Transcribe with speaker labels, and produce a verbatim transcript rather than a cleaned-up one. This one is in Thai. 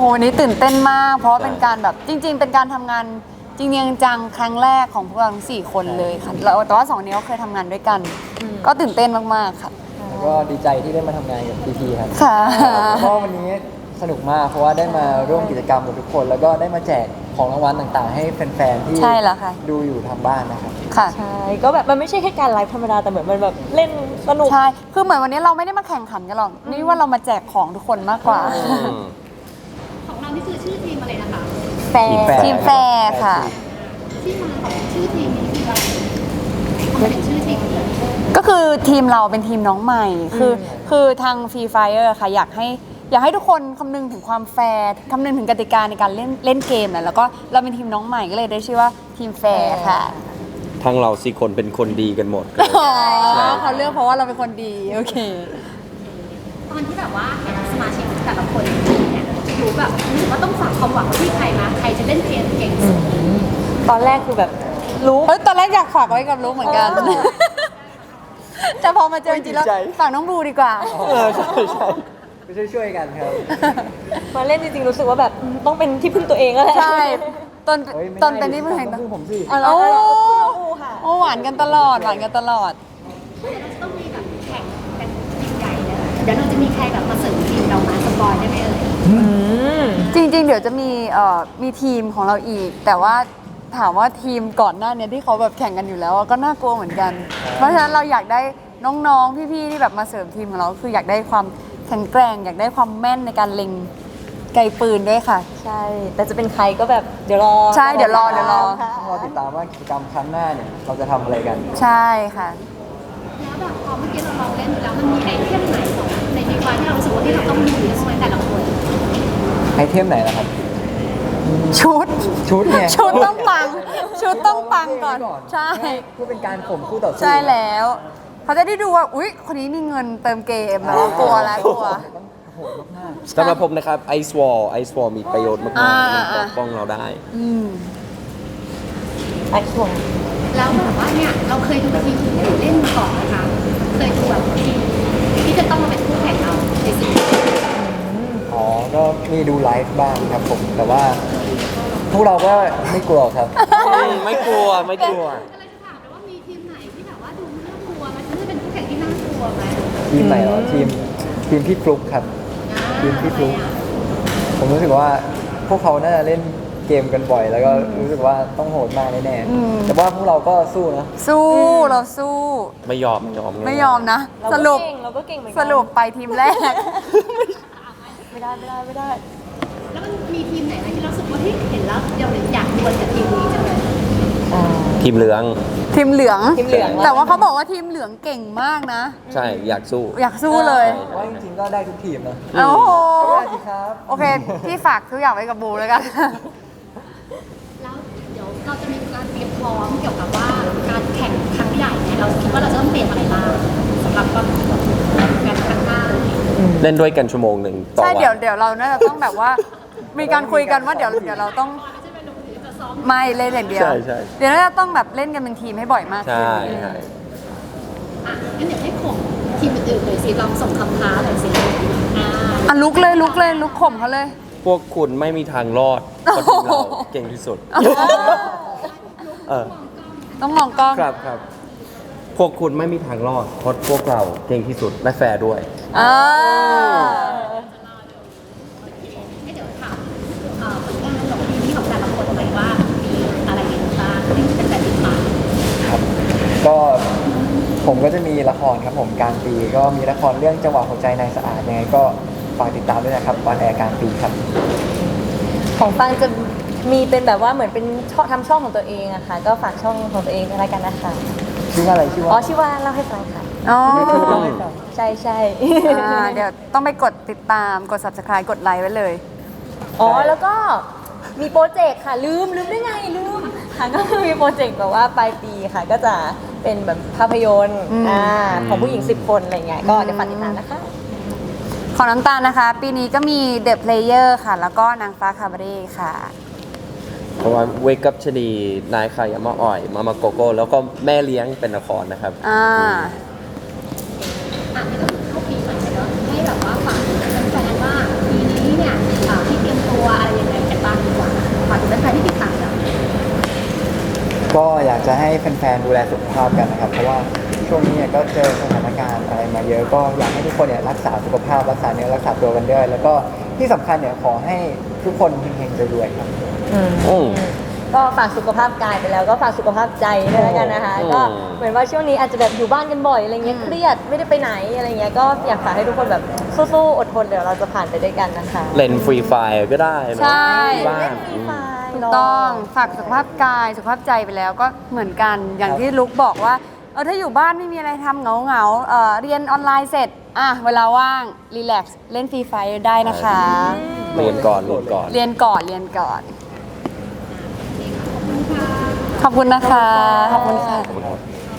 Speaker 1: โหวันนี้ตื่นเต้นมากเพราะว่าเป็นการแบบจริงๆเป็นการทำงานจริงๆจังครั้งแรกของพวกเราทั้งสี่คนเลยค่ะแล้วแต่ว่าสองนี้ก็เคยทำงานด้วยกันก็ตื่นเต้นมากๆค่ะ
Speaker 2: แล้วก็ดีใจที่ได้มาทำงานกับพีพีครับ
Speaker 1: ค่ะ
Speaker 2: เพราะวันนี้สนุกมากเพราะว่าได้มาร่วมกิจกรรมกับทุกคน แล้วก็ได้มาแจกของรางวัลต่างๆ ให้แฟนๆที่ดูอยู่ทางบ้านนะครับ
Speaker 1: ค่ะ
Speaker 3: ใช่ก็แบบมันไม่ใช่แค่การไลฟ์ธรรมดาแต่เหมือนมันแบบเล่นสนุก
Speaker 1: ใช่คือเหมือนวันนี้เราไม่ได้มาแข่งขันกันหรอกนี่ว่าเรามาแจกของทุกคนมากกว่า
Speaker 4: ของเรานี่คือชื่อทีมอะไรนะคะ
Speaker 3: แฟร์
Speaker 1: ทีมแฟร์ค่ะ
Speaker 4: ที่มาของชื่อทีมนี้คืออะไรทำไมถึงชื่อทีมนี้
Speaker 1: ก็คือทีมเราเป็นทีมน้องใหม่คือคือทางฟรีไฟเออร์ค่ะอยากให้อยากให้ทุกคนคำนึงถึงความแฟร์คำนึงถึงกติกาในการเล่นเล่นเกมนะแล้วก็เราเป็นทีมน้องใหม่ก็เลยได้ชื่อว่าทีมแฟร์ค่ะ
Speaker 5: ทางเราสี่คนเป็นคนดีกันหมด
Speaker 1: อ๋อเขาเลือกเพราะว่าเราเป็นคนดีโอเค
Speaker 4: ตอนที่แบบว่าเห็นสมาชิกแต่ละคนเนี่ยรู้แบบรู้สึกว่าต้องฝากความหวังที่ใครมาใครจะเล่นเกมเก่งสุด
Speaker 3: ตอนแรกคือแบบรู้
Speaker 1: เฮ้ยตอนแรกอยากฝากไว้กับลูกเหมือนกันแต่พอมาเจอจริงๆแล้วฝากน้องบูดีกว่า
Speaker 2: เออใช่ใช่ไปช่วยๆกันครับ
Speaker 3: มาเล่นจริงๆรู้สึกว่าแบบต้องเป็นที่พึ่งตัวเองแล้วแหละ
Speaker 1: ใช่ตอนตอนเป็นที่พึ่ง
Speaker 2: ต้องผมสิ
Speaker 1: โอ้โอ้หวานกันตลอดหวานกันตลอด
Speaker 4: ต้องมีแบบแข่งกันยิ่งใหญ่เลยเดี๋ยวเราจะมีใครแบบมาเสริมทีมเรามาสปอยได้ไหมเอ่
Speaker 1: ยจริงๆเดี๋ยวจะมีเอ่อมีทีมของเราอีกแต่ว่าถามว่าทีมก่อนหน้านี้ที่เขาแบบแข่งกันอยู่แล้วก็น่ากลัวเหมือนกันเพราะฉะนั้นเราอยากได้น้องๆพี่ๆที่แบบมาเสริมทีมของเราคืออยากได้ความแข็งแกร่งอยากได้ความแม่นในการเล็งไกลปืนด้วยค่ะ
Speaker 3: ใช่แต่จะเป็นใครก็แบบเดี๋ยวรอ
Speaker 1: ใช่เดี๋ยวรอเดี๋ยวรอ
Speaker 2: ต้องรอติดตามว่ากิจกรรมครั้งหน้าเนี่ยเราจะทำอะไรกัน
Speaker 1: ใช่ค่ะ
Speaker 4: แล้วแบบพอเมื่อกี้เราลองเล่นแล้วมันมีไอเทมไหนในดีกว่าที่เรารู้สึกว่าที่เราต้องมีในสมัยแต่ละคน
Speaker 2: ไอเทมไหนล่ะครับ
Speaker 1: ชุด
Speaker 2: ชุดเนี่ย
Speaker 1: ชุดต้องปังชุดต้องปังก่อนใช่
Speaker 2: เพื่อเป็นการข่มคู่ต่อสู้
Speaker 1: ใช่แล้วเขาจะได้ดูว่าอุ๊ยคนนี้มีเงินเติมเกมแล้วกลัวแล้วกลัว
Speaker 5: สำหรับผมนะครับไอซ์วอลไอซ์วอลมีประโยชน์มากๆมันปกป้องเราได้
Speaker 3: ไอซ์วอล
Speaker 4: แล้วแบบว่าเนี่ยเราเคยดูทีมอื่นเล่นมาก่อนนะคะเคยดูแบบทีมที่จะต้องมาเป็นคู่แข่งเราในซีรีส์
Speaker 2: อ๋อก็มีดูไลฟ์บ้างครับผมแต่ว่าพวกเราก็ไม่กลัวครับ
Speaker 5: ไม่กลัวไม่กลัว
Speaker 4: อะไรจะถามแต่ว่ามีทีมไหนที่แบบว่าดูน่ากลัวไหมมันจะเป็นคู่แข่งที่น่ากลัวไหม
Speaker 2: ทีมไหนเหรอทีมทีมพี่ฟลุ๊กครับทีมพี่ฟลุ๊กผมรู้สึกว่าพวกเขาน่าจะเล่นเกมกันบ่อยแล้วก็รู้สึกว่าต้องโหดมากแน่ๆแต่ว่าพวกเราก็สู้นะ
Speaker 1: สู้เราสู้
Speaker 5: ไม่ยอมไม่ยอม
Speaker 1: ไม่ยอมนะสรุป
Speaker 3: เราก็เก่งเหมือนกัน
Speaker 1: สรุปไปทีมแรก
Speaker 3: ไม่ได้ไม่ได้ไม่ได้
Speaker 4: แล้วมันมีทีมไหนไหมที่เราสึกว่าที่เห็นแล้วเราอยากดวลกับทีมนี้จังเลย
Speaker 5: ทีมเหลือง
Speaker 1: ทีมเหลือง
Speaker 3: ทีมเหลือง
Speaker 1: แต่ว่าเขาบอกว่าทีมเหลืองเก่งมากนะ
Speaker 5: ใช่อยากสู้
Speaker 1: อยากสู้เลย
Speaker 2: ว่าจริงๆก็ได้ทุกทีมนะ
Speaker 1: โอ้โห
Speaker 2: ครับ
Speaker 1: โอเคพี่ฝากทุกอย่างไว้กับบูแล้วกัน
Speaker 4: แล้วเดี๋ยวเราจะมีการเตรียมพร้อมเกี่ยวกับว่าการแข่งครั้งใหญ่เนี่ยเราคิดว่าเราจะต้องเตรียมอะไรบ้างสำหรับการครั้งหน้า
Speaker 5: เล่นด้วยกันชั่วโมงหนึ่งต่อวัน
Speaker 1: ใช่เดี๋ยวเดี๋ยวเราน่าจะต้องแบบว่ามีการคุยกันว่าเดี๋ยวเดี๋ยวเราต้องไม่เล่นอย่างเดียวเดี๋ยวเราจะต้องแบบเล่นกันเป็นทีมให้บ่อยมากขึ้น
Speaker 5: ใช่ใช่
Speaker 4: อ่ะงั้นเดี๋ยวให้ข่มทีมอื่นๆเลยสิลองส่งคำท้าหน่อยสิอ่า
Speaker 1: อ่ะลุกเลยลุกเลยลุกข่มเขาเลย
Speaker 5: พวกคุณไม่มีทางรอดเพราะทีมเราเก่งที่สุด
Speaker 1: ต้องมองกล้อง
Speaker 5: ครับครับพวกคุณไม่มีทางรอดเพราะพวกเราเก่งที่สุดและแฟร์ด้วย
Speaker 1: อ่า
Speaker 4: ให้เดี๋ยวถามผลงานของทีมที่ของแต่ละคนหน่อยว่ามีอะไรบ้างที่เป็นแบบติดตาม
Speaker 2: ครับก็ผมก็จะมีละครครับผมกลางปีก็มีละครเรื่องจังหวะหัวใจนายสะอาดยังไงก็ฝากติดตามด้วยนะครับวันแอร์กลางปีครับ
Speaker 3: ของฟังจะมีเป็นแบบว่าเหมือนเป็นช่องทำช่องของตัวเองอะค่ะก็ฝากช่องของตัวเองด้วยกันนะคะ
Speaker 2: ชื่อว่าอะไรชื่อว่า
Speaker 3: อ๋อชื่อว่าเล่าให้ฟังค่ะ
Speaker 1: อ๋อ
Speaker 3: ใช่ใช่
Speaker 1: เดี๋ยวต้องไปกดติดตามกด ซับสไครบ์ กดไลค์ไว้เลย
Speaker 3: อ๋อแล้วก็มีโปรเจกต์ค่ะลืมลืมได้ไงลืมค่ะก็มีโปรเจกต์แบบว่าปลายปีค่ะก็จะเป็นแบบภาพยนตร์อ่าของผู้หญิงสิบคนอะไรเงี้ยก็เดี๋ยวฝากติดตามนะคะ
Speaker 1: ของน้ำตาลนะคะปีนี้ก็มี The Player ค่ะแล้วก็นางฟ้าคาบาเร่ค่ะ
Speaker 5: เพราะว่าเวกับชนีนายขายามาอ่อยมามาโกโก้แล้วก็แม่เลี้ยงเป็นละครนะครับ
Speaker 1: อ่า
Speaker 4: อ่ะนี่ก็คือเข้าปีใหม่เนาะให้แบบว่าฝากแฟนๆว่าปีนี้เนี่ยที่เตรียมตัวแฟนๆที่ติดตามเรา
Speaker 2: ก็อยากจะให้แฟนๆดูแลสุขภาพกันนะครับ เพราะว่าช่วงนี้เนี่ยก็เจอสถานการณ์อะไรมาเยอะก็อยากให้ทุกคนเนี่ยรักษาสุขภาพรักษาเนื้อรักษาตัวกันด้วยแล้วก็ที่สำคัญเนี่ยขอให้ทุกคนเฮงๆรวยๆครับ
Speaker 5: อืม
Speaker 3: ก็ฝากสุขภาพกายไปแล้วก็ฝากสุขภาพใจด้วยแล้วกันนะคะ
Speaker 5: อืม
Speaker 3: ก็เหมือนว่าช่วงนี้อาจจะแบบอยู่บ้านกันบ่อยอะไรเงี้ยเครียดไม่ได้ไปไหนอะไรเงี้ยก็อยากฝากให้ทุกคนแบบสู้ๆอดทนเดี๋ยวเราจะผ่านไปด้วยกันนะคะ
Speaker 5: เล่นฟรีไฟร์ก็ได้เนอะ
Speaker 1: ใช่
Speaker 5: ที่บ้า
Speaker 3: เล่
Speaker 5: น
Speaker 3: นฟรีไฟล์
Speaker 1: ถูกต้องฝากสุขภาพกายสุขภาพใจไปแล้วก็เหมือนกันอย่างที่ลุกบอกว่าเออถ้าอยู่บ้านไม่มีอะไรทำเหงาเหงาๆเออเรียนออนไลน์เสร็จอ่ะเวลาว่างรีแลกซ์เล่นฟรีไฟได้นะคะ
Speaker 5: เรียนก่อนเรียนก่อน
Speaker 1: เรียนก่อนเรียนก่อน ขอบคุณนะคะ ขอบคุณค่ะ